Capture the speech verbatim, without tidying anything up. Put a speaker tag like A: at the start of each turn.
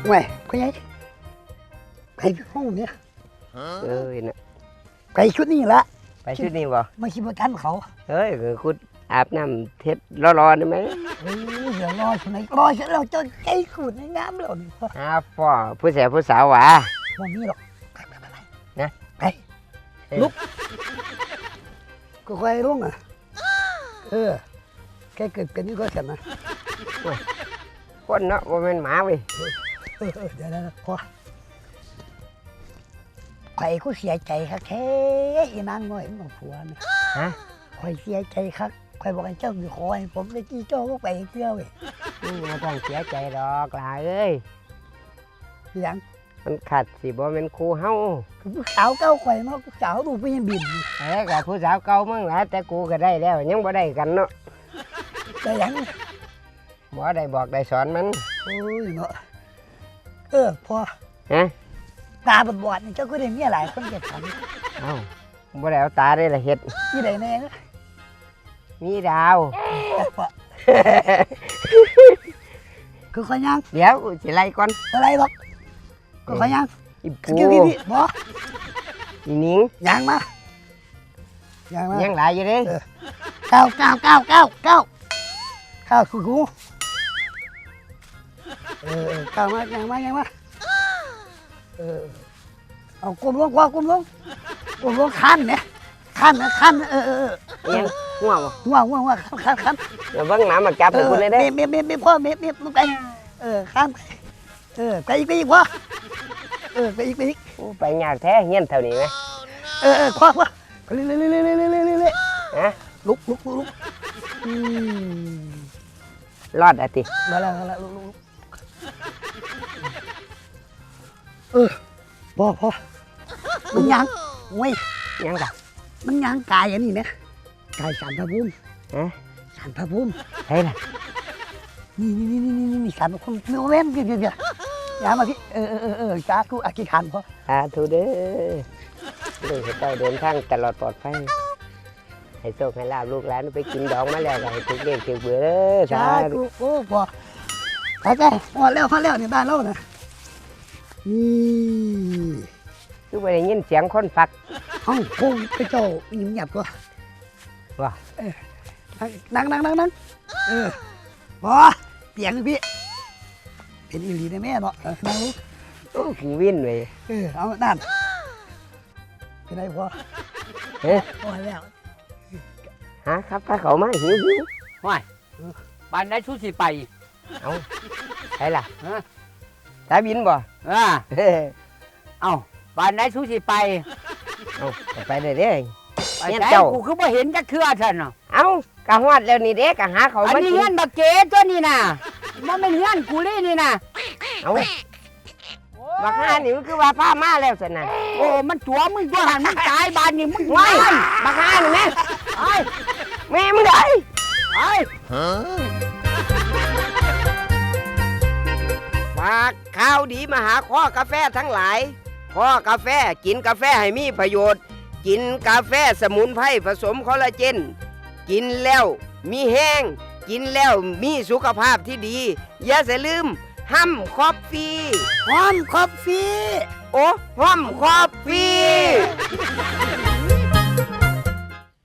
A: ไม่ก็ยัยไปห้องเนี่ย
B: เอ้ยนะ
A: ไปชุดนี้ละ
B: ไปชุดนี้บ่
A: ไม่คิดว่ากันเขา
B: เฮ้ยคือคุณอาบน้ำเท็ดรอๆได้ไหม
A: เฮ้ยเดี๋ยวรอฉันไหนรอฉันเราจะใจขูดในน้ำเราดิพ่อ
B: อ้าพ่อผู้แสบผู้สาวหวา
A: วันนี้หรอกไปไปไป
B: นะ
A: ไปลุกก็ค่อยลุกอ่ะเออแค่เกิดเป็นนี่ก็เสร็จนะ
B: คนเนาะว่าเป็นหมาเว้ย
A: เออเออเดี๋ยวนะพ่อใครก็เสียใจครับแท้อีนางน้อยของผัวเนี่ย
B: ฮะ
A: คอยเสียใจครับคอยบอกให้เจ้าอยู่คอยผมเลยจี้เจ้าก็ไปเที่ยวเว้ย
B: มึงไม่ต้องเสียใจดอกหลาเอ้ย
A: อย่าง
B: มันขัดสิบ่เป็นครูเฮา
A: ผู้สาวเก้าคอยเนาะผู้สาวดูไปยังบิน
B: เอ้ยกับผู้สาวเก่ามึงหลายแต่กูก็ได้แล้วยังบ่ได้กันเนาะ
A: แต่อย่าง
B: บ่ได้บอกได้สอนมัน
A: โอ้ยเนาะเออพอ
B: ฮะ
A: ตาบอดบอดนี่เจ้าก็ได้เมียหลายคนเก็บฝัน
B: เอ้าบ่ได้เอาตาได้ละเฮ็ด
A: ยี่ไหนแน่นะ
B: มีดาว
A: แต่พอคือขอยัง
B: เดี๋ยวสิไล่ก่อน
A: อะไรหรอกก็ขอยัง
B: อี
A: ส
B: ปู
A: กิลพี่พี่บอ
B: อีหนิง
A: ยังมายังมา
B: ยังหลายอยู่เด้
A: เก้าเก้าเก้าเก้าเก้าเก้าคือกูเออเออเก้ามายังมายังมาเออเอากลมลงกว่ากลมลงกลมลงคันเนี่ยคันนะคันเออเออเออ
B: ยังง่วงบ่
A: ว่างว่างว่างคันคัน
B: เดี๋ยวเบิ่งหมามาจับให้คุณเลยเด้
A: เมียเมียเมียพ่อเมียเมียมึงไปเออคันเออไปอีกไปอีกพ่อเออไปอีกไปอีก
B: โอ้ไปยากแท้เฮียนเท่านี้ไหม
A: เออเออพ่อพ่อเรื่อยเรื่อยเรื่อยเรื่อยเรื่อยเรื่อย
B: ฮะ
A: ลุกลุกลุกลุกอืม
B: รอดอะติ
A: มาแล้วมาแล้วลุกลุกลุกเออพ่อพ่อมันยังโอ้ย
B: ยังกะ
A: มันยังกายอันนี้นะกายสารพระภูมิ
B: ฮะ
A: สารพระภูมิ
B: ใช่ล่ะ
A: นี่นี่นี่นี่นี่นี่สารพระภูมิไม่เว้นเดี๋ยวเดี๋ยวเดี๋ยวอย่ามาพี่เออเออเออเออจ้ากูอธิษฐานพ่อ
B: สาธุเด้อลูกให้เจ้าเดินทางตลอดปลอดภัยให้โชคให้ลาบลูกหลานไปกินดองมาแล้วก็ให้ทุกเด็กทุกเบื่อเด้อสา
A: จ้า
B: ธุ
A: กูโอ้พ่อไปไปพอแล้วพอแล้วในบ้านเรานะนี่
B: คือไปได้ยินเสียงคนฟัก
A: ห้องโค้งกระโจกยิ้มหยับก็
B: ว่า
A: นั่งนั่งนั่งนั่งเออพอเตียงพี่เป็นอีหลีได้แม่เนาะเออนั่งลูก
B: โอ้กูวินเลย
A: เออเอานั่นเป็นไรพอ
B: เฮ้ย
A: พอแล้ว
B: หาครับถ้าเขามาหิวหิว
C: ว้ายบ้านไหนชูสิไป
B: เอาใช่ล่ะ
C: ฮะ
B: สายบินบ่
C: อ่า
B: เฮ้ย
C: เอ้าบ้านไหนชูสิไป
B: เอาไปได้เด้
C: ไป
B: เงี้ย
C: ไหน
B: เจ้า
C: กูคือบ่เห็นจักเทื่อท่านน่ะ
B: เอากะฮอดแล้วนี่เด้กะหาเขา
C: อัน
B: มา
C: นี้
B: กิ
C: เฮือน
B: น
C: บักเก๋ตัวนี้น่ะมันเป็นเฮือนกูเลยนี่น่ะ
B: เอาบักฮานี่มันคือว่าพามาแล้วสินะ
C: โอ้มันตัวมึงตัวหันมึงตายบ้านนี่มึง
B: ว้า
C: ตาย ย
B: บักฮานี่แม่
C: ไอ้
B: แม่มึงได้
C: ไอ้
B: ฝากข่าวดีมาหาข้อกาแฟทั้งหลายข้อกาแฟกินกาแฟให้มีประโยชน์ กินกาแฟสมุนไพรผสมคอลลาเจน กินแล้วมีแห้ง กินแล้วมีสุขภาพที่ดี อย่าเสียลืมห้ำคอฟฟี่
A: หอมคอฟฟี่
B: โอ้ห้ำคอฟฟี่